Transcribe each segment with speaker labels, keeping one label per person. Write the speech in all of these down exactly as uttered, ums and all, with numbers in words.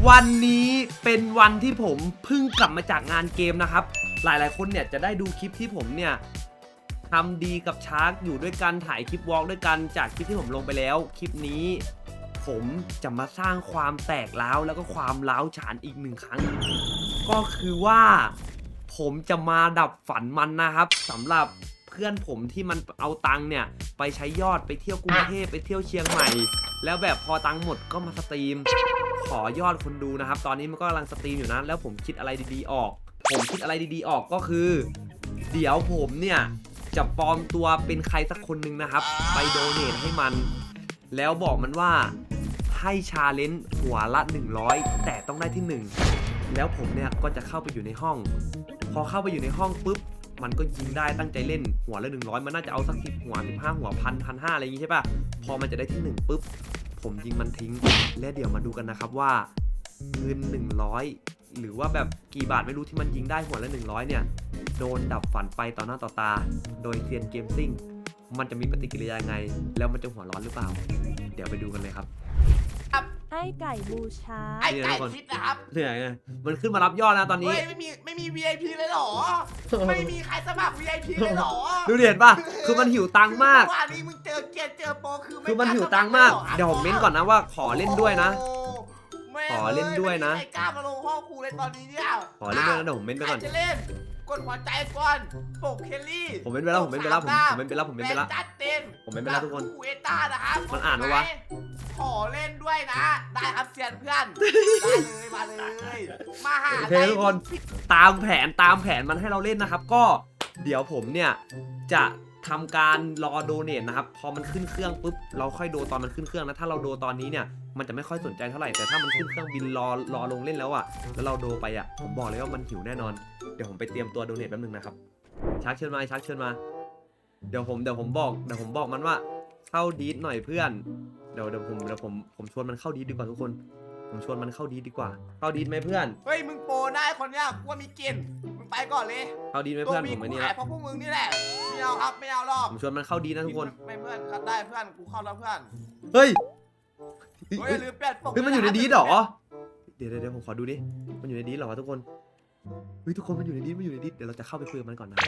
Speaker 1: วันนี้เป็นวันที่ผมเพิ่งกลับมาจากงานเกมนะครับหลายๆคนเนี่ยจะได้ดูคลิปที่ผมเนี่ยทำดีกับชาร์กอยู่ด้วยกันถ่ายคลิปวอล์กด้วยกันจากคลิปที่ผมลงไปแล้วคลิปนี้ผมจะมาสร้างความแตกร้าวแล้วก็ความร้าวฉานอีกหนึ่งครั้งก็คือว่าผมจะมาดับฝันมันนะครับสำหรับเพื่อนผมที่มันเอาตังค์เนี่ยไปใช้ยอดไปเที่ยวกรุงเทพไปเที่ยวเชียงใหม่แล้วแบบพอตังค์หมดก็มาสตรีมขอยอดคนดูนะครับตอนนี้มันก็กำลังสตรีมอยู่นะแล้วผมคิดอะไรดีๆออกผมคิดอะไรดีๆออกก็คือเดี๋ยวผมเนี่ยจะปลอมตัวเป็นใครสักคนหนึ่งนะครับไปโดเนทให้มันแล้วบอกมันว่าให้ชาเลนจ์หัวละหนึ่งร้อยแต่ต้องได้ที่หนึ่งแล้วผมเนี่ยก็จะเข้าไปอยู่ในห้องพอเข้าไปอยู่ในห้องปุ๊บมันก็ยิงได้ตั้งใจเล่นหัวละหนึ่งร้อยมันน่าจะเอาสักสิบหัวสิบห้าหัวพันพันห้าอะไรอย่างงี้ใช่ป่ะพอมันจะได้ที่หนึ่งปุ๊บผมยิงมันทิ้งและเดี๋ยวมาดูกันนะครับว่าเงินหนึ่งร้อยหรือว่าแบบกี่บาทไม่รู้ที่มันยิงได้หัวละหนึ่งร้อยเนี่ยโดนดับฝันไปต่อหน้าต่อตาโดยเซียนเกมซิ่งมันจะมีปฏิกิริยายังไงแล้วมันจะหัวร้อนหรือเปล่าเดี๋ยวไปดูกันเลยครับ
Speaker 2: ไอ้ไก่บูชา
Speaker 3: ไอ้ไก่คิดนะครับ
Speaker 1: เหนื่อยไงมันขึ้นมารับยอดแล้วตอนนี้
Speaker 3: ไม่มีไม่มี วี ไอ พี เลยหรอไม่มีใครสมัคร วี ไอ พี เลยหรอ
Speaker 1: ดูเห็นป่ะคือมันหิวตังค์มาก
Speaker 3: ว่านี้มึงเจอเกียร์เจอโปรคือ
Speaker 1: คือมันหิวตังค์มากเดี๋ยวผมเม้นก่อนนะว่าขอเล่นด้วยนะขอเล่นด้วยนะ
Speaker 3: ไม่กล้ามาลงห้องครูเลยตอนนี้เนี่ย
Speaker 1: ขอเล่นด้วยนะเดี๋ยวผมเม้นไปก่อน
Speaker 3: จะเล่นกดหัวใจก่อนปกเคลลี่
Speaker 1: ผมเม้นไปแล้วผมเม้นไปแล้วผมผมเม้นไปแล้วผมเม้นไปแล้ว
Speaker 3: จัดเต็ม
Speaker 1: ผมเม้นไปแล้วทุกคน
Speaker 3: เอต้านะครับ
Speaker 1: มันอ่านไหมวะ
Speaker 3: ขอเล่นด้วยนะได้ครับเซียนเพื่อนมาเลยมาเลยมาหา
Speaker 1: โอเคทุกคนตามแผนตามแผนมันให้เราเล่นนะครับก็เดี๋ยวผมเนี่ยจะทำการรอโดเนทนะครับพอมันขึ้นเครื่องปุ๊บเราค่อยโดตอนมันขึ้นเครื่องนะถ้าเราโดตอนนี้เนี่ยมันจะไม่ค่อยสนใจเท่าไหร่แต่ถ้ามันขึ้นเครื่องบินรอรอลงเล่นแล้วอ่ะแล้วเราโดไปอ่ะผมบอกเลยว่ามันหิวแน่นอนเดี๋ยวผมไปเตรียมตัวโดเนทแป๊บนึงนะครับชักเชิญมาชักเชิญมาเดี๋ยวผมเดี๋ยวผมบอกเดี๋ยวผมบอกมันว่าเข้าดีดหน่อยเพื่อนเดี๋ยวเดี๋ยวผมเดี๋ยวผมผมชวนมันเข้าดีดดีกว่าทุกคนผมชวนมันเข้าดีดดีกว่าเข้าดีดไหมเพื่อน
Speaker 3: เฮ้ยมึงโปรได้คนเนี้ยกูว่ามีกินมึงไปก่อนเลย
Speaker 1: เข้าดีดไหมเพื่อนผมไม่นี่
Speaker 3: แหละเพราะพวกมึงนี่แหละไม่เอาครับไม่เอาหรอก
Speaker 1: ผมชวนมันเข้าดีนะทุกคน
Speaker 3: ไม่เพื่อนก็ได้เพื่อนกูเข้าแล้วเพื่อน
Speaker 1: เฮ้ย
Speaker 3: เฮ้ยลืมเปลี่ยนปก
Speaker 1: เฮ้ยมันอยู่ในดีดหรอเดี๋ยวเดี๋ยวผมขอดูดิมันอยู่ในดีดหรอทุกคนเฮ้ยทุกคนมันอยู่ในดีดมันอยู่ในดีดเดี๋ยวเราจะเข้าไปคุยกับมันก่อนนะ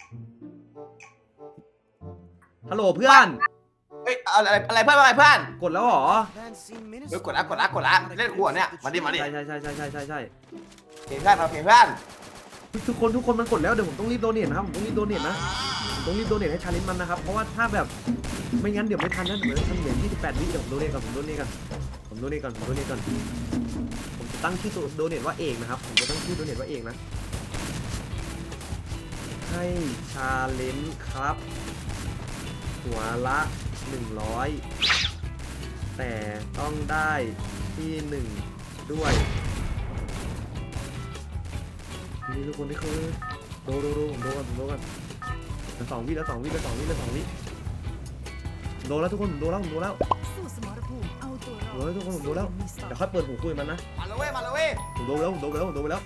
Speaker 1: ฮัลโหลเพื่อน
Speaker 3: เฮ้ยอะไรอะไรเพื่อนอะไรเพื่อน
Speaker 1: กดแล้วหรอ
Speaker 3: เฮ้ยกดแล้วกดแล้วกดแล้วเล่นขวดเนี่ยมาดิมาดิ
Speaker 1: ใช่ใช่ใช่ใช่ใช่ใช่ใช่
Speaker 3: เห็นเพื่อนเราเห็นเพื่อน
Speaker 1: ทุกคนทุกคนมันกดแล้วเดี๋ยวผมต้องรีบโดเนทนะครับผมต้องรีบโดเนทนะผมต้องรีบโดเนทให้ชาเลนจ์มันนะครับเพราะว่าถ้าแบบไม่งั้นเดี๋ยวไม่ทันนะเดี๋ยวทันเหลือยี่สิบแปดวิเดี๋ยวผมโดเนทก่อนผมโดเนทก่อนผมโดเนทก่อนผมโดเนทก่อนผมจะตั้งชื่อโดเนทว่าเอกนะครับผมจะตั้งชื่อโดเนทว่าเอกนะให้ชาเลนจ์ครับหัวละหนึ่งร้อยแต่ต้องได้ที่หนึ่งด้วยนี่ทุกคนนี่คือโดโดโดผมโดกันผมโดกันแล้วสองวิแล้วสองวิแล้วสองวิแล้วสองวิโดแล้วทุกคนผมโดแล้วผมโดแล้วโดแล้วทุกคนผมโดแล้วเดี๋ยวค่อยเปิดหูคุยมันนะ
Speaker 3: มาเลยเว้ยมาเลยเว้ย
Speaker 1: ผมโดแล้วผมโดแล้วผมโดไปแล้ว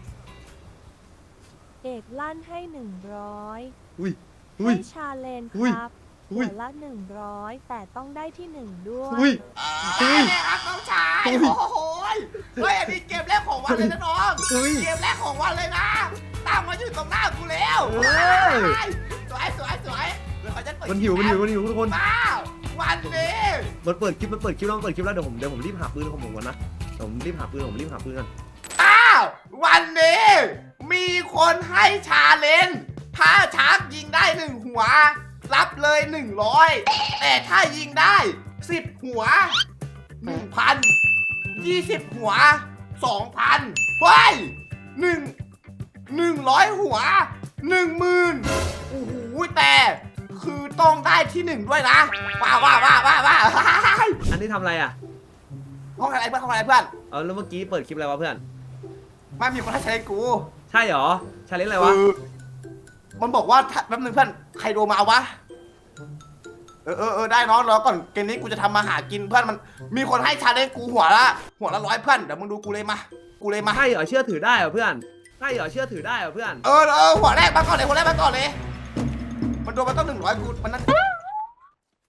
Speaker 2: เอกลั่นให้หนึ่งร้อย
Speaker 1: อุ้ย
Speaker 2: ให้ชาเลนครับหัวละหนึ่งร้อยแต่ต้องได้ที่หนึ่งด้วย
Speaker 1: อุ้ย
Speaker 3: ได้เลยครับน้องชายโอ้โหเฮ้ยอันนี้เกมแรกของวันเลยนะน้องเกมแรกของวันเลยนะตามมาอยู่ตรงหน้ากูแล้วสวยสวยสวย
Speaker 1: มันหิวมันหิวมันหิวทุกคน
Speaker 3: ว้าววันนี้
Speaker 1: มันเปิดคลิปมันเปิดคลิปแล้วมันเปิดคลิปแล้วเดี๋ยวผมเดี๋ยวผมรีบหาปืนของผมก่อนนะผมรีบหาปืนผมรีบหาปืนกัน
Speaker 3: อ้าววันนี้มีคนให้ชาเลนจ์ถ้าชักยิงได้หนึ่งหัวรับเลยหนึ่งร้อยแต่ถ้ายิงได้สิบหัวหนึ่งพันยี่สิบหัวสองพันเฮ้ยหนึ่งหนึ่งร้อยหัวหนึ่งหมื่นโอ้โหแต่คือต้องได้ที่หนึ่งด้วยนะว้าวว้าวว้าวว้าวว้าว
Speaker 1: อันนี้ทำอะไรอ่ะ
Speaker 3: ห้องอะไรเพื่อนห้องอะไรเพื่อน
Speaker 1: เออแล้วเมื่อกี้เปิดคลิปอะไรวะเพื่อน
Speaker 3: ไม่มีคนให้ใช้กู
Speaker 1: ใช่หรอชาเลนจ์อะไรวะ
Speaker 3: มันบอกว่าแป๊บนึงเพื่อนใครโดนมาเอาวะเออเออเออได้น้องรอก่อนเกมนี้กูจะทำมาหากินเพื่อนมันมีคนให้ชาเลนจ์กูหัวละหัวละร้อยเพื่อนเดี๋ยวมึงดูกูเลยมากูเลยมา
Speaker 1: ใช่เหรอเชื่อถือได้เหรอเพื่อนใช่เหรอเชื่อถือได้เหรอเพื่อน
Speaker 3: เออเออหัวแรกมาก่อนเลยหัวแรกมาก่อนเลยมันโดนมาต้องหนึ่งร้อยกูมันนั่น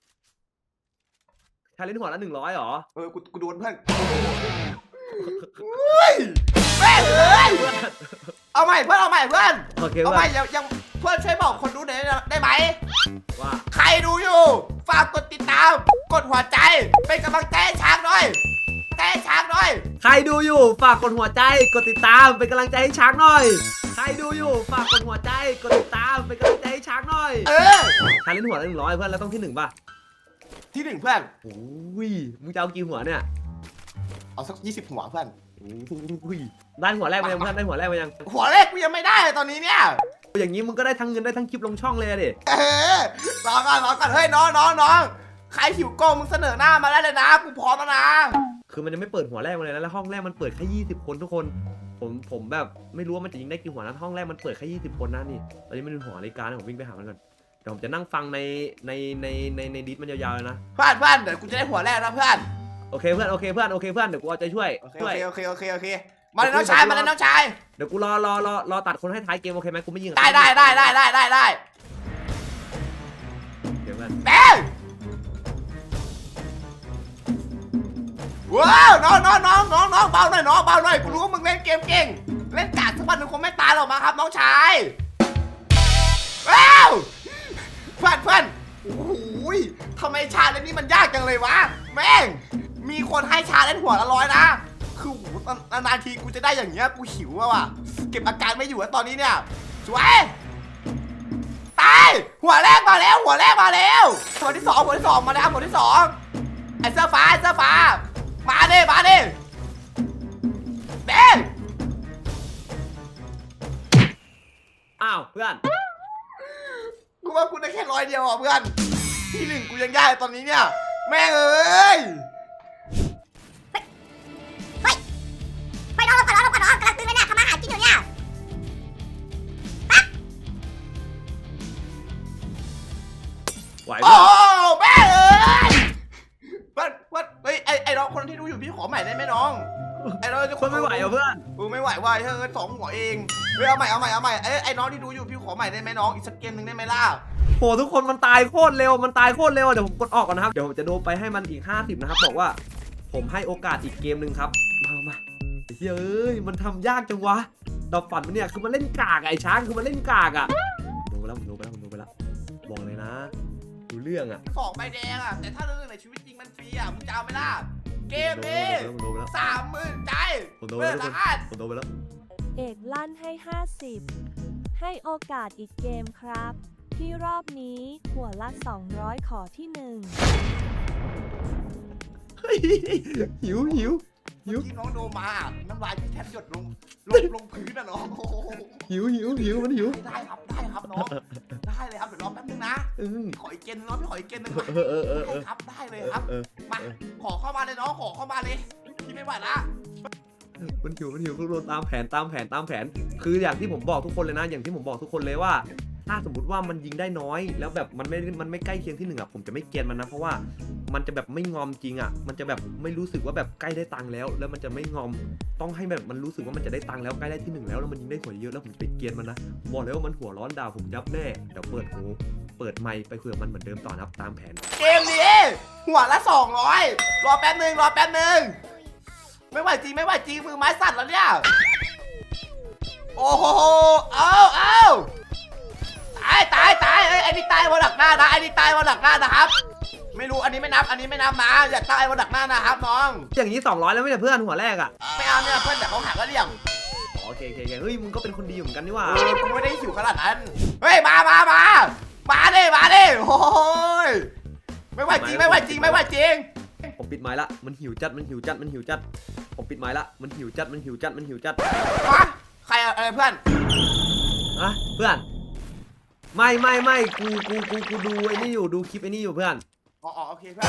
Speaker 1: ชาเลนจ์หัวละหนึ่งร้อยเหรอ
Speaker 3: เออกูกูโดนเพื่อนม่เพื่อนเอาใหม่เพื่อน
Speaker 1: โอเค
Speaker 3: เอา
Speaker 1: เพื่
Speaker 3: ใหม่
Speaker 1: อน
Speaker 3: ยังยังเพื่อนช่วยบอกคนดูหน่อยได้ไหม
Speaker 1: ว่า
Speaker 3: ใครดูอยู่ฝากกดติดตามกดหัวใจเป็นกำลังใจให้ช้างหน่อยใจให้ช้างหน่อย
Speaker 1: ใครดูอยู่ฝากกดหัวใจกดติดตามเป็นกำลังใจให้ช้างหน่อย ใครดูอยู่ฝากกดหัวใจกดติดตามเป็นกำลังใจให้ช้างหน่อย
Speaker 3: เออ
Speaker 1: ชาเลนจ์หัวละหนึ่งร้อยเพื่อนแล้วต้องที่หนึ่งป่ะ
Speaker 3: ที่หนึ่งเพื่อน
Speaker 1: โอ้ยมึงจะเอากี่หัวเนี่ย
Speaker 3: เอาสักยี่สิบหัวเพื่อน
Speaker 1: โอ้ยได้หัวแรกมายังเพื่อนได้หัวแรกมายัง
Speaker 3: หัวแรกกูยังไม่ได้ตอนนี้เนี่ย
Speaker 1: อย่างนี้มึงก็ได้ทั้งเงินได้ทั้งคลิปลงช่องเลยอะดิ
Speaker 3: เออรอก่อนรอก่อนเฮ้ยน้องน้องน้องใครหิวโก้มึงเสนอหน้ามาได้เลยนะกูพร้อมแล้วนะ
Speaker 1: คือมันยังไม่เปิดหัวแรกมาเลยนะแล้วห้องแรกมันเปิดแค่ยี่สิบคนทุกคนผมผมแบบไม่รู้ว่ามันจะยิงได้กี่หัวนะห้องแรกมันเปิดแค่ยี่สิบคนนะนี่ตอนนี้มันเป็นหัวรายการนะผมวิ่งไปหามันก่อนเดี๋ยวผมจะนั่งฟังในในในในในดิสมันยาวๆเลยนะ
Speaker 3: เพื่อนเพื่อนเดี๋ยวกูจะได้หัวแรกนะเพื่อน
Speaker 1: โอเคเพื่อนโอเคเพื่อนโอเคเพื่อนเดี๋ยวกูเอาใจช่วย
Speaker 3: โอเค
Speaker 1: ช่วย
Speaker 3: โอเคโอเคโอเคมาเลยน้องชายมาเลยน้องชาย
Speaker 1: เดี๋ยวกูรอรอรอรอตัดคนให้ท้ายเกมโอเคไหมกูไม่ยิง
Speaker 3: ได้ได้ได้ได้ได้ได้ได้
Speaker 1: เดี๋ยวเพื่อน
Speaker 3: แม่ว้าวน้องน้องน้องน้องน้องเบาหน่อยน้องเบาหน่อยกูรู้ว่ามึงเล่นเกมเก่งเล่นกากสักวันหนึ่งคงไม่ตายหรอกมาครับน้องชายว้าวเพื่อนเพื่อนโอ้โหทำไมชาเลนจ์นี้มันยากจังเลยวะแม่งมีคนให้ชาเลนจ์หัวละร้อยนะคือโหนานๆทีกูจะได้อย่างเงี้ยกูหิวอะว่ะเก็บอาการไม่อยู่แล้วตอนนี้เนี่ยสวยตายหัวแรกมาแล้วหัวแรกมาแล้วหัวที่สองหัวที่สองมาแล้วหัวที่สองไอ้เสื้อฟ้าไอ้เสื้อฟ้ามาดิมาดิเด้ง
Speaker 1: อ้าวเพื่อน
Speaker 3: กูว่ากูได้แค่ร้อยเดียวอ่ะเพื่อนที่หนึ่งกูยังได้ตอนนี้เนี่ยแม่งเอ้ย
Speaker 4: ไปน้องก่อนน้องก่อนน้องกำลังตื่นเลยเนี่ยทำอาหารกินอยู่เนี่ย
Speaker 1: ไหว
Speaker 3: โอ้
Speaker 1: เพื่อน
Speaker 3: แม่งเอ้ยเพื่อนเพื่อนเฮ้ยไอไอน้องคนที่ดูอยู่พี่ขอใหม่ได้ไหมน้องไอน้องจะ
Speaker 1: คนไม่ไหวเหรอเพื่อน
Speaker 3: กูไม่ไหวว่ะเฮ้ยสองหัวเองเฮ้ยเอาใหม่เอาใหม่เอาใหม่ไอไอน้องที่ดูอยู่พี่ขอใหม่ได้ไหมน้องอีกสักเกมหนึ่งได้ไหมล่ะ
Speaker 1: โหทุกคนมันตายโคตรเร็วมันตายโคตรเร็วเดี๋ยวผมกดออกก่อนนะครับเดี๋ยวผมจะโดนไปให้มันอีกห้าสิบนะครับบอกว่าผมให้โอกาสอีกเกมหนึ่งครับมามาไอ้เหี้ยเอ้ยมันทำยากจังวะดอกฝันมันเนี่ยคือมันเล่นกากอะไอ้ช้างคือมันเล่นกากอะดูไปแล้วผมดูไปแล้วผมดูไปแล้วบอกเลยนะดูเรื่องอะ
Speaker 3: สองใบแดงอ่ะแต่ถ้าเรื่องในชีวิตจริงมันฟรีอ่ะมึงจะเอาไหมล่ะเกมนี้
Speaker 1: ผมดูไปแล้ว
Speaker 3: สามหมื่นใจ
Speaker 1: ผมดูไป
Speaker 3: เพื่อ
Speaker 1: แล้ว
Speaker 3: นละอัน
Speaker 1: ผมดูไปแล้ว
Speaker 2: เอกลั่นให้ ห้าสิบ ให้โอกาสอีกเกมครับ ที่รอบนี้หัวละ สองร้อย ขอที่หนึ่ง
Speaker 1: เฮ้ยหิวหิวหิ
Speaker 3: เมื่
Speaker 1: ว
Speaker 3: อกี้น้องโดมาน้ำลายพี่แทบหยดลงลงลงพื้นอ่ะน้องโอ้โห
Speaker 1: หิวหิวหิวมันหิว
Speaker 3: ได้ครับได้ครับน้องได้เลยครับเดี๋ยวรอแป๊บนึงนะ
Speaker 1: เออ
Speaker 3: ขออีกเกมนึงน้องพี่ขออีกเกมนึงมา
Speaker 1: เออเออเออเออ
Speaker 3: ได้ครับได้เลยครับ
Speaker 1: เออ
Speaker 3: มาขอเข้ามาเลยน้องขอเข้ามาเลยพี่ไม่ไหวละ
Speaker 1: มันหิวมันหิวทุกคนตามแผนตามแผนตามแผน คืออย่างที่ผมบอกทุกคนเลยนะ อย่างที่ผมบอกทุกคนเลยว่า ถ้าสมมติว่ามันยิงได้น้อย แล้วแบบมันไม่มันไม่ใกล้เคียงที่หนึ่งอ่ะผมจะไม่เกลียนมันนะเพราะว่ามันจะแบบไม่งอมจริงอ่ะมันจะแบบไม่รู้สึกว่าแบบใกล้ได้ตังค์แล้ว แล้วมันจะไม่งอมต้องให้แบบมันรู้สึกว่ามันจะได้ตังค์แล้วใกล้ได้ที่หนึ่งแล้วแล้วมันยิงได้หัวเยอะแล้วผมไปเกลียนมันนะบอกเลยว่ามันหัวร้อนดาวผมยับแน่เดี๋ยวเปิดหูเปิดไมค์ไปคุยกับมันเหมือนเดิมต่อนะครับตามแผน
Speaker 3: เกมนี้หัวละสองร้อยรอแป๊บนึงรอแป๊บนึงไม่ไหวจริงไม่ไหวจริงมือไม้สั่นแล้วเนี่ยโอ้โหเอาเอาตายตายตายเอ้ยไอ้นี่ตายวันหลักหน้านะไอ้นี่ตายวันหลักหน้านะครับไม่รู้อันนี้ไม่นับอันนี้ไม่นับนะอย่าตายวันหลักหน้านะครับน้อง
Speaker 1: อย่างนี้สองร้อยแล้วไม่ใช่เพื่อนหัวแรกอ่ะ
Speaker 3: ไม่เอาเนี่ยเพื่อนแต่เขาหาก็เลี่ยง
Speaker 1: โอเคโอเคโอเคเฮ้ยมึงก็เป็นคนดีอยู่เหมือนกันนี่หว่า
Speaker 3: เออกูไม่ได้หิวขนาดนั้นเฮ้ยมามามามาดิมาดิโอ้ยไม่ไหวจริงไม่ไหวจริงไม่ไหวจริง
Speaker 1: ผมปิดไม้ละมันหิวจัดมันหิวจัดมันหิวจัดผมปิดไม้ละมันหิวจัดมันหิวจัดมันหิวจัด
Speaker 3: ฮะใครอะไรเพื่อน
Speaker 1: อะเพื่อนไม่ไม่ไม่กูกูกูกูดูไอ้นี่อยู่ดูคลิปไอ้นี่อยู่เพื่อน
Speaker 3: อ๋ออ๋อโอเคเพื่อน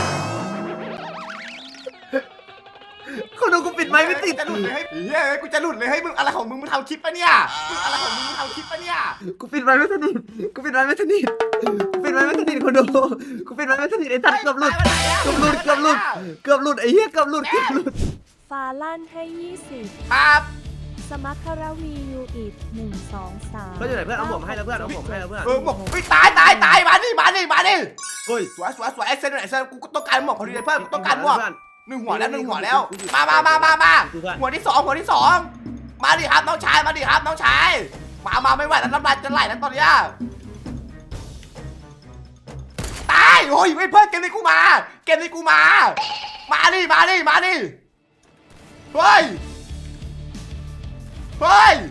Speaker 1: เขาดูกูปิดไม้ไม่ติด
Speaker 3: จะหลุดเลยเฮ้ยเฮ้ยกูจะหลุดเลยเฮ้ยมึงอะไรของมึงมึงทำคลิปปะเนี่ยมึงอะไรของมึงมึงทำคลิปปะเนี่ย
Speaker 1: กูปิดไม้ไม่สนิทกูปิดไม้ไม่สนิทกูปิดไม้ไม่สนิทคนดูกูปิดไม้ไม่สนิทไอ้ทัดเกือบหลุดเกือบหลุดเกือบหลุดเกือบหลุดไอ้เหี้ยเกือบหลุดเกือบหลุด
Speaker 2: ฟาลั่นให้ ยี่สิบ
Speaker 3: ครับ
Speaker 2: สมัครวียูอิดหนึ่ง สอง สาม
Speaker 1: เพื่อนอยู่ไหนเพื่อนเอาผมให้แล้วเพื่อนเอาผมให้แล้วเพื่อน
Speaker 3: เออบอกเฮ้ยตายตายตายมาดิมาดิมาดิ
Speaker 1: เฮ้ย
Speaker 3: สวยสวยสวยไอ้เซนไอ้เซนกูต้องการหมวกพอดีเลยเพื่อนต้องการหมวกหนึ่งหัวแล้วหนึ่งหัวแล้วมามามามามาหัวที่สองหัวที่สองมาดิครับน้องชายมาดิครับน้องชายมามาไม่ไหวแล้วน้ำลายจะไหลแล้วตอนเนี้ยตายโอ้ยไม่เพื่อนเกมนี้กูมาเกมนี้กูมามาดิมาดิมาดิเฮ้ยเฮ้ย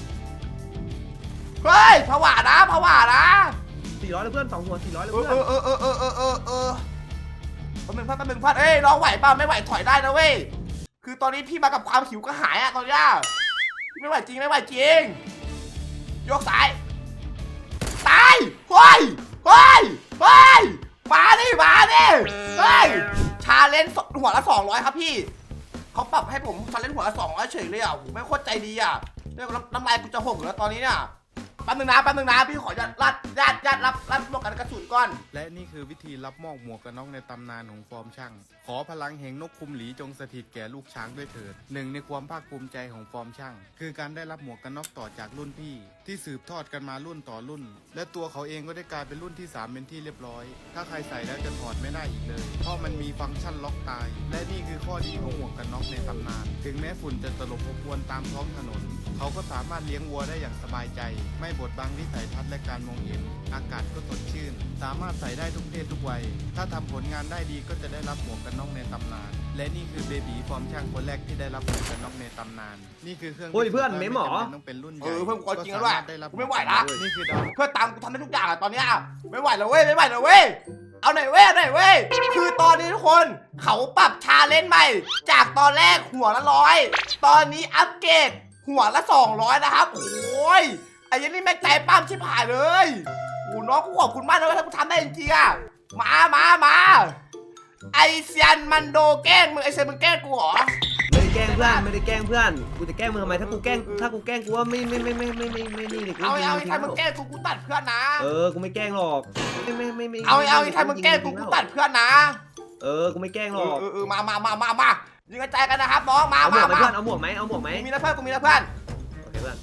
Speaker 3: เฮ้ยผวานะผวานะ
Speaker 1: สี่ร้อยเลยเพื่อนสองหัวสี่ร้อยเลย
Speaker 3: เอ
Speaker 1: เพื่
Speaker 3: อ
Speaker 1: อน
Speaker 3: เออเออเออเออเออเออแป๊บนึงพัดแป๊บนึงพัดเอ้ยน้องไหวเปล่าไม่ไหวถอยได้นะเว้ยคือตอนนี้พี่มากับความหิวกระหายอะตอนเนี้ยไม่ไหวจริงไม่ไหวจริงยกสายตายเฮ้ยเฮ้ยเฮ้ยมาดิมาดิเฮ้ยชาเลนจ์หัวละสองร้อยครับพี่เขาปรับให้ผมชาเลนจ์หัวละสองร้อยเฉยเลยอ่ะไม่โคตรใจดีอ่ะเนี่ยน้ำลายกูจะหกแล้วตอนนี้เนี่ยแป๊บนึงนะแป๊บนึงนะพี่ขอญาตรัดญาติญาติรับรับหมวกกันกระสุนก่อน
Speaker 5: และนี่คือวิธีรับมอบหมวกกันน็อกในตำนานของฟอร์มช่าง ขอพลังแห่งนกคุมหลีจงสถิตแก่ลูกช้างด้วยเถิดหนึ่งในความภาคภูมิใจของฟอร์มช่าง คือการได้รับหมวกกันน็อกต่อจากรุ่นพี่ ที่สืบทอดกันมารุ่นต่อรุ่น และตัวเขาเองก็ได้กลายเป็นรุ่นที่สามเป็นที่เรียบร้อย ถ้าใครใส่แล้วจะถอดไม่ได้อีกเลย เพราะมันมีฟังก์ชันล็อกตาย และนี่คือข้อดีของหมวกกันน็อกในตำนาน ถึงแม้ฝุ่นจะตลบอบอวนตามท้องถนน เขาก็สามารถเลี้ยงวัวได้อย่างสบายใจ ไม่บดบังวิสัยทัศน์และการมองเห็น อากาศก็สดชื่น สามารถใส่ได้ทุกเพศทุกวัย ถ้าทำผลงานได้ดีก็จะได้รับหมวกกันน็อกในตำนาน และนี่คือเบบีฟอร์มช่างคนแรกที่ได้รับหมวกกันน็อกในตำนาน นี่คือเครื่อง
Speaker 1: โอ้ยเพื่อนเมมเหรอ
Speaker 5: ไจำเป็นต้องเป็นรุ่นใหญ่
Speaker 3: เออเพื่อนกูเอาจริงแล้วด้วย
Speaker 5: ก็สาารถได้รับ
Speaker 3: กูไม่ไหวละ
Speaker 5: นี่คือดาว
Speaker 3: เพื่อตามกูทำได้ทุกอย่างอะตอนเนี้ยไม่ไหวแล้วเว้ยไม่ไหวแล้วเว้ยเอาหน่อยเว้ยเอาหน่อยเว้ยคือตอนนี้ทุกคนเขาปรับชาเลนจ์ใหม่ จากตอนแรกหัวละร้อยตอนนี้อัปเกรดหัวละสองร้อยนะครับโอ้ยไอ้ยันนี่แม่งใจปั้มชิบหายเลยโอ้น้องกูขอบคุณมากนะถ้ากูทำได้จริงๆอะมามามาไอเซียนมันโดแกล้งมึงไอเซียนมึงแกล้งกูเหรอ
Speaker 1: ไม่ได้แกล้งเพื่อนไม่ได้แกล้งเพื่อนกูจะแกล้งมึงทำไมถ้ากูแกล้งถ้ากูแกล้งกูว่าไม่ไม่ไม่ไม่ไม่ไม่ไม่นี่เลยกู
Speaker 3: เอา
Speaker 1: ยิง
Speaker 3: เอา
Speaker 1: จริง
Speaker 3: ไอ้ใครมึงแกล้งกูกูตัดเพื่อนนะ
Speaker 1: เออกูไม่แกล้งหรอกไม่ไม่ไม่ไม่
Speaker 3: เอาเอาไอ้ใครมึงแกล้งกูกูตัดเพื่อนนะ
Speaker 1: เออกูไม่แกล้งหร
Speaker 3: เอ
Speaker 1: อ
Speaker 3: อก เออเออมามามามามายิงกระจายกันนะครับน้องมา
Speaker 1: เอาหม
Speaker 3: มาว
Speaker 1: กไหม
Speaker 3: มา
Speaker 1: เพื่อนเอาหมวกไหมเอาหมวกไหม
Speaker 3: กูมีนะเพื่อนกูมีนะเพื่อน
Speaker 1: โอเคเพื่อน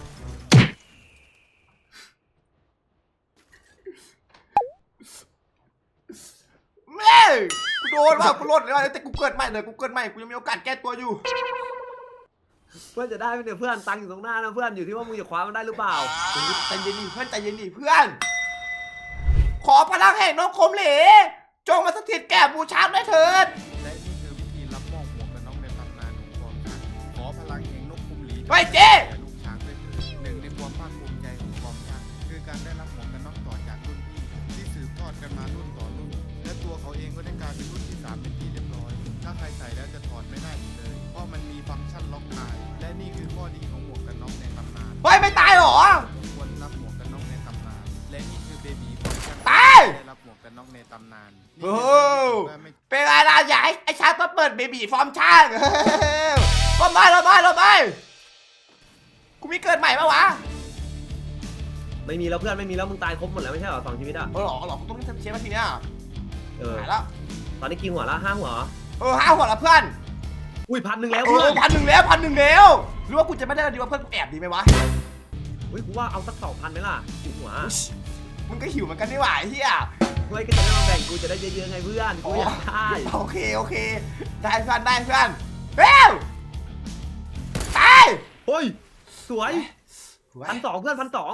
Speaker 3: แม่กูโดนว่ะกูโดนเลยว่ะแต่กูเกิดใหม่เลยกูเกิดใหม่กูยังมีโอกาสแก้ตัวอยู่
Speaker 1: เพื่อนจะได้ไหมเนี่ยเพื่อนตังค์อยู่ตรงหน้านะเพื่อนอยู่ที่ว่ามึงจะคว้ามันได้หรือเปล่า
Speaker 3: ใจเย็นดิเพื่อนใจเย็นดิเพื่อน ขอพลังแห่งนกคมเหลจงมาสถิตแก่บูชาด้วยเถิด
Speaker 5: และนี่คือวิธีรับมอบหมวกกันน็อกในตำนานของฟอร์มช่าง ขอพลังแห่งนกคุมหลี
Speaker 3: เฮ้ยเจ๊
Speaker 5: แก่ลูกช้างด้วยเถิดหนึ่งในความภาคภูมิใจของฟอร์มช่างคือการได้รับหมวกกันน็อกต่อจากรุ่นพี่ ที่สืบทอดกันมารุ่นต่อรุ่น และตัวเขาเองก็ได้กลายเป็นรุ่นที่สามเป็นที่เรียบร้อย ถ้าใครใส่แล้วจะถอดไม่ได้อีกเลย เพราะมันมีฟังก์ชันล็อกตาย และนี่คือข้อดีของหมวกกันน็อกในตำนาน
Speaker 3: เฮ้ยไม่ตายเหรอ
Speaker 5: ควรรับหมวกกันน็อกในตำนาน และนี่คือเบบีฟอร์มช่าง
Speaker 3: ตาย
Speaker 5: ได้รับหมวกกันน็อกในตำนาน
Speaker 3: โอ้
Speaker 5: นี่คือไม่
Speaker 3: เป็นไรล่ะอยากให้ไอ้ช้างมาเปิดเบบีฟอร์มช่างลบไปลบไปลบไปกูมีเกิดใหม่ปะวะ
Speaker 1: ไม่มีแล้วเพื่อนไม่มีแล้วมึงตายครบหมดแล้วไม่ใช่เหรอสองชีวิตอ่ะ
Speaker 3: เออหรอหรอกูต้องเช็คมาทีเนี้ย
Speaker 1: เออ
Speaker 3: หายแล้ว
Speaker 1: ตอนนี้กี่หัวละห้าหัว
Speaker 3: เออห้าหัวละเพื่อน
Speaker 1: อุ้ยพันหนึ่งแล้ว
Speaker 3: เอ
Speaker 1: เพื่อ
Speaker 3: อน พันหนึ่งแล้วพันหนึ่งแล้วหรือว่ากูจะไม่ได้ดีว่าเพื่อนกูแอบดีไหมวะ
Speaker 1: อุ้ยกูว่าเอาสักสองพันไหมล่ะกี่หัว
Speaker 3: มึงก็หิวเหมือนกันนี่หว่าไอ้เฮีย
Speaker 1: เฮ้ยก็จะได้มาแบ่งกูจะได้เยอะๆไงเพื่อนกูอยากได้
Speaker 3: โอเคโอเคได้เพื่อนได้เพื่อนเร็วตาย
Speaker 1: เฮ้ยสวยพันสองเพื่อนพันสอง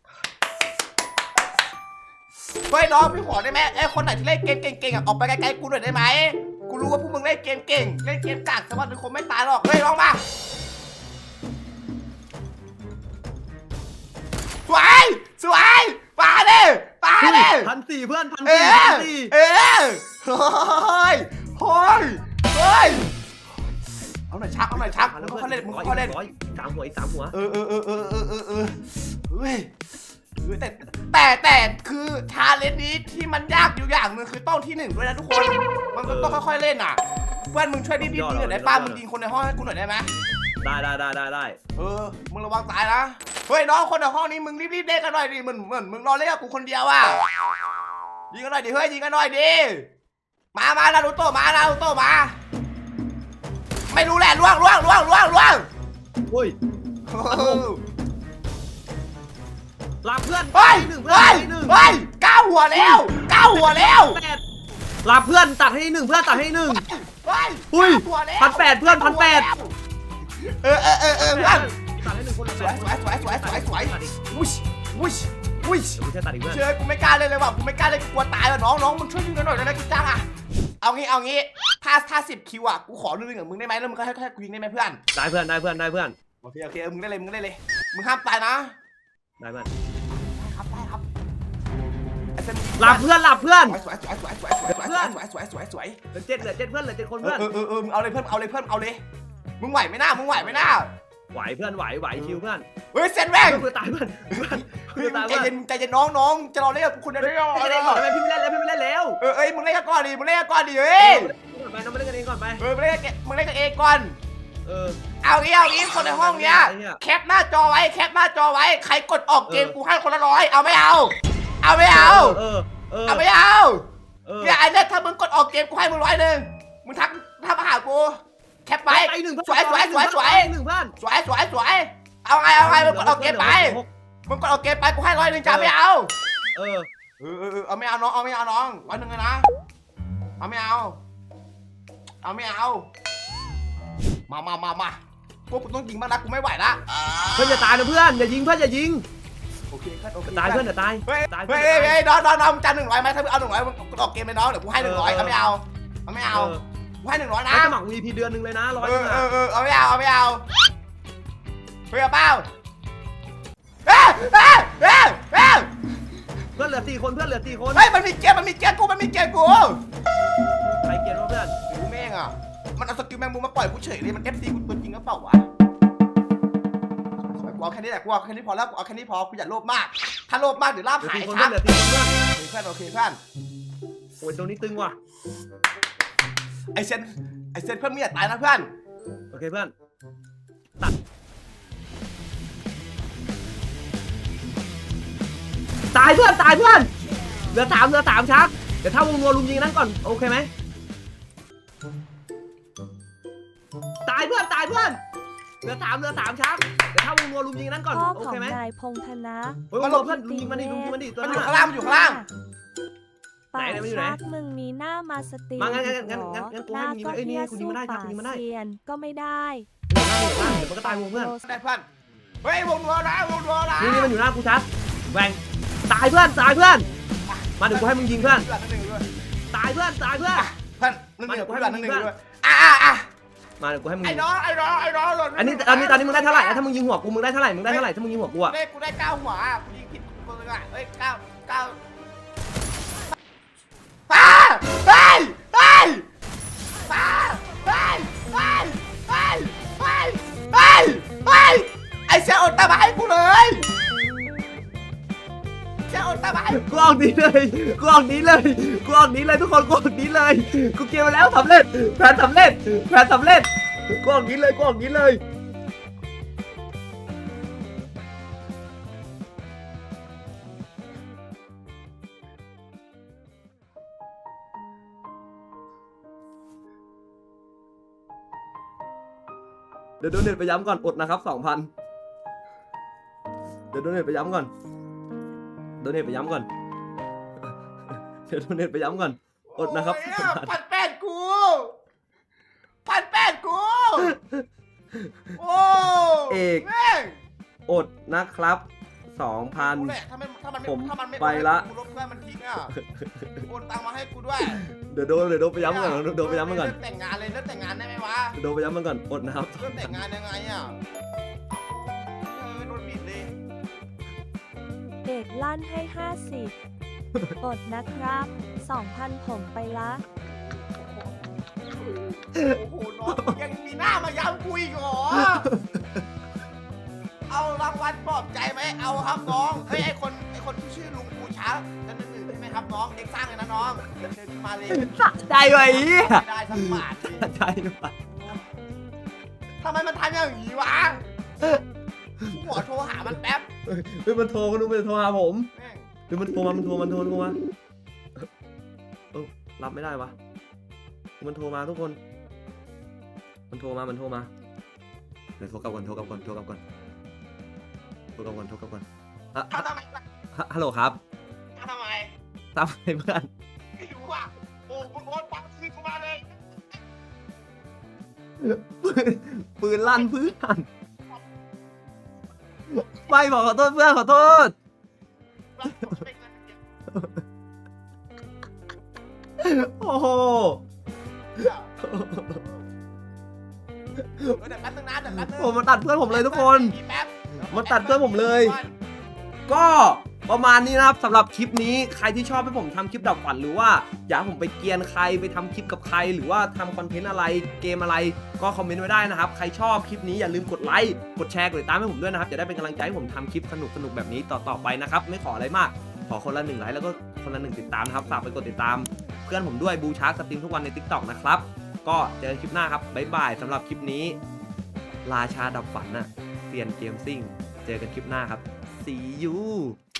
Speaker 3: เฮ้ยน้องพี่ขอได้ไหมไอ้คนไหนที่เล่นเกมเก่งๆอ่ะออกไปไกลๆกูหน่อยได้ไหมกูรู้ว่าพวกมึงเล่นเกมเก่งเล่นเกมกากแต่ว่ามึงคงไม่ตายหรอกเฮ้ยลองมาสวยสวยมาดิมาดิ
Speaker 1: พันสี่เพื่อนพัน
Speaker 3: เอ
Speaker 1: สี่
Speaker 3: อ
Speaker 1: พันสี่
Speaker 3: เออเฮ้ยเฮ้ยเฮ้ยเอาหน่อยชักเอาหน่อยชักมึงค่อยเล่นมึงค่อยเล่น
Speaker 1: ร้อยสามหัวอีกสามหัว
Speaker 3: เออเออเออเออเออเออเออเฮ้ยเฮ้ยแต่แต่แต่คือชาเลนจ์นี้ที่มันยากอยู่อย่างหนึงคือต้องที่หนึ่งด้วยนะทุกคนมันก็ต้องค่อยๆเล่นอ่ะเพื่อนมึงช่วยรีบๆยิงหน่อยได้ป้ามึงยิงคนในห้องให้กูหน่อยได้ไหม
Speaker 1: ได้ได้ได้ได้ได้
Speaker 3: เออมึงระวังตายนะเฮ้ยน้องคนในห้องนี้มึงรีบๆเล่นกันหน่อยดิเหมือนเหมือนมึงรอเล่นกับกูคนเดียวอ่ะยิงกันหน่อยดิเฮ้ยยิงกันหน่อยดิมามานารูโตะมานารูโตะมาไม่รู้แหละล่วงล่วงล่วงล่วงล่วง
Speaker 1: เฮ้ย
Speaker 3: เออ
Speaker 1: ลาเพื่อน
Speaker 3: เฮ้ย
Speaker 1: หนึ่งเพื่อน
Speaker 3: เฮ้ย
Speaker 1: หนึ่ง
Speaker 3: เฮ้ยเก้าหัวแล้วเก้าหัวแล้ว
Speaker 1: แปดลาเพื่อนตัดให้หนึ่งเพื่อนตัดให้หนึ่ง
Speaker 3: เฮ้ย
Speaker 1: อุ้ย
Speaker 3: เก้าหัวแล้ว
Speaker 1: พันแปดเพื่อนพันแปด
Speaker 3: เออเออเออเออเพื่อน
Speaker 1: ตัดให้หนึ่งคน
Speaker 3: สวยสวยสวยสวยสวยสวยวุ้ยวุ้ยวุ้ย
Speaker 1: เดี๋ยวกูจะตัดอีกเพื่อน
Speaker 3: เชื่อกูไม่กล้าเลยเลยว่ะกูไม่กล้าเลยกูกลัวตายว่ะน้องน้องมึงช่วยยิงกันหน่อยได้ไหมกูจ้างอ่ะเอางี้เอางี้ถ้าถ้าสิบคิวอ่ะกูขอนึงกับมึงได้ไหมแล้วมึงก็ให้ให้กูยิงได้ไหมเพื่อน
Speaker 1: ได้เพื่อนได้เพื่อนได้เพื่อน
Speaker 3: โอเคโอเคมึงได้เลยมึงได้เลยมึงห้ามตายนะ
Speaker 1: ได้เพื่อน
Speaker 3: ครับได้ครับไอ้เซน
Speaker 1: หลับเพื่อนหลับเพื่อน
Speaker 3: สวยสวยสวยสวยสวยสวยสวยสวยสวยสวย
Speaker 1: เหลือเจ็ดเหลือเจ็ดเพื่อนเหลือเจ็ดคน
Speaker 3: เอ
Speaker 1: เพื่
Speaker 3: อ
Speaker 1: อน
Speaker 3: เออเออเออมึงเอาเลยเพื่อนเอาเลยเพื่อนเอาเลยมึงไหวไหมหน้ามึงไหวไหมหน้า
Speaker 1: ไหวเพื่อนไหวไหวชิวเพื่อน
Speaker 3: เฮ้ยเซนแม่ง
Speaker 1: เพื่อนตายเพื่อนเพื่อน
Speaker 3: เฮ้ย
Speaker 1: ตาย
Speaker 3: ใจ
Speaker 1: เพื่อน
Speaker 3: เย็นใจเย็นน้องน้องจะรอเล่นกับคุณได้ยัง
Speaker 1: ไม่ได้ก่อนทำไมพี่ไม่เล่นแล้วพี่ไม่เล่นแล้ว
Speaker 3: เออเอ้ยมึงเล่นกันก่อนดิมึงเล่นกันก่อนดิเฮ้ย
Speaker 1: ไปน้องมาเล่นกันเองก่อนไป
Speaker 3: เออมึงเล่นกันมึงเล่นกันเองก่อน
Speaker 1: เออ
Speaker 3: เอางี้เอางี้คนในห้องเนี้ยแคปหน้าจอไว้แคปหน้าจอไว้ใครกดออกเกมกูให้คนละร้อยเอาไม่เอา เอาไม่เอา
Speaker 1: เออเออ
Speaker 3: เอาไม่เอา
Speaker 1: เออ
Speaker 3: เนี่ยไอ้เนี่ยถ้ามึงกดออกเกมกูให้มึงร้อยหนึ่งมึงทักทักมาหากูแคปไป
Speaker 1: ไปหนึ่ง
Speaker 3: สวยสวยสวยสวย
Speaker 1: หนึ่งเพื่อน
Speaker 3: สวยสวยสวยเอาไงเอาไงมึงกดออกเกมไปมึงกดออกเกมไปกูให้ร้อยหนึ่งจ้าไม่เอา
Speaker 1: เออ
Speaker 3: เออเออเออเอาไม่เอาน้องเอาไม่เอาน้องร้อยหนึ่งเลยนะเอาไม่เอาเอาไม่เอามามามามาพวกกูต้องยิงบ้างนะกูไม่ไหวละ
Speaker 1: เพื่อนอย่าตายนะเพื่อนอย่ายิงเพื่อนอย่ายิง
Speaker 3: โอเคครับโอเค
Speaker 1: ตายเพื่อนอย่าตาย
Speaker 3: เฮ้ย
Speaker 1: ตาย
Speaker 3: เฮ้ยเฮ้ยเฮ้ยน้องน้องน้องจานหนึ่งร้อยไหมถ้ามึงเอาหนึ่งร้อยมึงกดออกเกมไปน้องเดี๋ยวกูให้หนึ่งร้อยเอาไม่เอาเอาไม่เอากูให้หนึ่งร้อยนะ
Speaker 1: นะสมัคร วี พี เดือนหนึ่งเลยนะร้อย
Speaker 3: เอ
Speaker 1: นึ
Speaker 3: อง เอ
Speaker 1: อ่ะ
Speaker 3: อเออเอาไม่เอาเอาไม่เอาเฮ้ยเอาเปล่าเฮ้ยเฮ้ยเฮ้ยเฮ้ย
Speaker 1: เพื่อนเหลือสี่คนเพื่อนเหลือสี่คน
Speaker 3: เฮ้ยมันมีเกียร์มันมีเกียร์กูมันมีเกียร์กู
Speaker 1: ใครเกลียดวะเพื่อน
Speaker 3: กูแม่งอ่ะมันเอาสกิลแมงมุมมาปล่อยกูเฉยเลยมันเอฟซีกูตัวจริงก็เปล่าวะกูเอาแค่นี้แหละกูเอาแค่นี้พอแล้วกูเอาแค่นี้พอกูอย่าโลภมาก ถ้าโลภมากเดี๋ยวลาบ
Speaker 1: เหลือ
Speaker 3: หาย
Speaker 1: สี่คน
Speaker 3: ชั
Speaker 1: เพื่อน
Speaker 3: ด
Speaker 1: เหลือสี่คนเพื่อน
Speaker 3: เพื่อนโอเคเพื่อน
Speaker 1: โอ้ยตรงนี้ตึงว่ะ
Speaker 3: ไอเซนไอเซนเพื่อนไม่อยากตายนะเพื่อน
Speaker 1: โอเคเพื่อนตัดตายเพื่อนตายเพื่อนเหลือสามเหลือสามชักเดี๋ยวถ้าวงนัวลุมยิงนั้นก่อนโอเคไหมตายเพื่อนตายเพื่อนเหลือสามเหลือสามชักเดี๋ยวถ้าวงนัวลุมยิงนั้นก่อน
Speaker 2: พ่อ
Speaker 1: โอ
Speaker 2: ของ
Speaker 1: เคไหม
Speaker 2: นายพงธนะ
Speaker 1: เฮ้ยวงนัวเพื่อนลุมยิงมันดิลุมยิงมันดิตัว
Speaker 3: มัน
Speaker 1: นั้
Speaker 3: อน ยู่
Speaker 1: อะ
Speaker 3: ข้างล่างมันอยู่ข้างล่าง
Speaker 2: ป่า
Speaker 1: ไหนไหนมันอยู่ไหน
Speaker 2: ชักมึงมีหน้ามาสตรีม
Speaker 1: มางั้นงั้นงั้น
Speaker 2: เหรอ
Speaker 1: งั้นกู
Speaker 2: ห
Speaker 1: ให้
Speaker 2: น้า
Speaker 1: มึงยิง
Speaker 2: ก็
Speaker 1: เอ้ยนี่
Speaker 2: เฮี้ย
Speaker 1: กูยิง
Speaker 2: สู้
Speaker 1: ไม่ได้ครับ
Speaker 2: ป่า
Speaker 1: กูยิงไม่ได้
Speaker 2: เซียนก็ไม่ได้
Speaker 1: เดี๋ยวมันก็ตายวงเพื่อน
Speaker 3: ได้เพื่อนเฮ้ยวงนัวนะวงนัวนะ
Speaker 1: นี่นี่มันอยู่หน้ากูชัดแหวงตายเพื่อนตายเพื่อนมาเดี๋ยวกูให้มึงยิงเพื่อน
Speaker 3: เพื่อนหนึ่งด้วย
Speaker 1: ตายเพื่อนตายเพื่อน
Speaker 3: เพื่อนหนึ่งหนึ่งเพื่อนหนึ่งหนึ่งด้วยอ่ะอ่ะอ่ะ
Speaker 1: มาเดี๋ยวกูให้มึง
Speaker 3: ไอ้
Speaker 1: ยิง
Speaker 3: น้องไอ้น้องไอ้น้องหล่น
Speaker 1: อันนี้ตอนนี้ตอนนี้มึงได้เท่าไหร่อะถ้ามึงยิงหัวกูมึงได้เท่าไหร่มึงได้เท่าไหร่ถ้ามึงยิงหัวกู
Speaker 3: กู
Speaker 1: อะ
Speaker 3: ได้กูได้เก้าหัวกูยิงผิดคนนึงอ่ะเอ้ยเก้าเก้าป้าเฮ้ยเฮ้ยป้าเฮ้ยเฮ้ยเฮ้ยเฮ้ยเฮ้ยเฮ้ยไอ้เสียอดตามาให้กูเลยเสียอดตามาให้
Speaker 1: กูออกนี้เลยกูออกนี้เลยกูออกนี้เลยทุกคนกูออกนี้เลยกูเกมมาแล้วสำเร็จแผนสำเร็จแผนสำเร็จกูออกนี้เลยกูออกนี้เลยเดี๋ยวโดนเน็ตไปย้ำก่อนอดนะครับสองพันเดี๋ยวโดนเน็ตไปย้ำก่อนโดนเน็ตไปย้ำก่อนเดี๋ยวโดนเน็ตไปย้ำก่อนอดนะครับ
Speaker 3: โอ้ยพันแปดกูพันแปดกูโอ้
Speaker 1: เอก
Speaker 3: แม่ง
Speaker 1: อดนะครับสองพัน
Speaker 3: กูแหละถ้ามันถ้ามันไม่
Speaker 1: ผม
Speaker 3: ถ้ามันไม่
Speaker 1: ไปละ
Speaker 3: กูลบเพื่อนมันทิ้งอ่ะโอนตังค์มาให้กูด้วย
Speaker 1: เดี๋ยวโดนเดี๋ยวโดนไปย้ำก่อนโดนไปย้ำมันก่อน
Speaker 3: เริ่แต่งงานเลยเริ่มแต่งงานได้ไหมวะ
Speaker 1: เดี๋ยวโดนไปย้ำมันก่อนอดนะครับ
Speaker 3: เริ่มแต่งงานยังไงอ่ะเออโดนบิดเลย
Speaker 2: เอกลั่นให้ ห้าสิบ อดนะครับสองพันผมไปละ
Speaker 3: โอ้โหน้องยังมีหน้ามาย้ำกูอีกเหรอเอารางวัลปลอบใจไหมเอาครับน้องเฮ้ยไอคนไอคนที่ชื่อลุงปูช้ากันหนึ่งหนึ่งใช่ไหมครับน้องเด็กสร้างเลยนะน้องเชิญขึ้นมาเลย
Speaker 1: สะใจไว้อีย
Speaker 3: ไม่ได้สักบาทเลย
Speaker 1: สะใจว่ะ
Speaker 3: ทำไมมันทำอย่างนี้วะหัวโทรหามันแป๊บ
Speaker 1: เฮ้ยมันโทรมันดูมันโทรหาผม
Speaker 3: แม่ง
Speaker 1: เฮ้ยมันโทรมามันโทรมันโทรโทรมาเออรับไม่ได้วะมันโทรมาทุกคน มันโทรมามันโทรมาเดี๋ยวโทรกลับก่อนโทรกลับก่อนโทรกลับก่อนโทรกลับก่อนโทรกลับก่อนอ่ะ
Speaker 3: ทำทำไม
Speaker 1: ฮะฮัลโหลครับ
Speaker 3: ทำทำไม
Speaker 1: ตามไปเพื่อน
Speaker 3: ไม่รู้อ่ะโอ้คุณโอ๊ตปักซื้อกูมาเลย
Speaker 1: ปืนปืนลั่นเพื่อนไม่บอกขอโทษเพื่อนขอโทษ โอ้โห
Speaker 3: เดี๋ยวแป๊บนึงนะเดี๋ยวแป๊บนึง
Speaker 1: โอ้มาตัดเพื่อนผมเลยทุกคน
Speaker 3: แป๊บ
Speaker 1: มาตัดเพื่อนผมเลย ก็ประมาณนี้นะครับสำหรับคลิปนี้ใครที่ชอบให้ผมทำคลิปดับฝันหรือว่าอยากให้ผมไปเกรียนใครไปทำคลิปกับใคร หรือว่าทำคอนเทนต์อะไรเกมอะไรก็คอมเมนต์ไว้ได้นะครับใครชอบคลิปนี้อย่าลืมกดไลค์กดแชร์กดติดตามให้ผมด้วยนะครับจะได้เป็นกำลังใจให้ผมทำคลิปสนุกๆแบบนี้ต่อๆไปนะครับไม่ขออะไรมากขอคนละหนึ่งไลค์แล้วก็คนละหนึ่งติดตามนะครับฝากไปกดติดตามเพื่อนผมด้วยบูชาร์กสตรีมทุกวันใน ติ๊กต็อก นะครับก็เจอกันคลิปหน้าครับบ๊ายบายสำหรับคลิปนี้ราชาดับฝันน่ะเปลี่ยนเกมซิ่งเจอกันคลิปหน้าครับ see you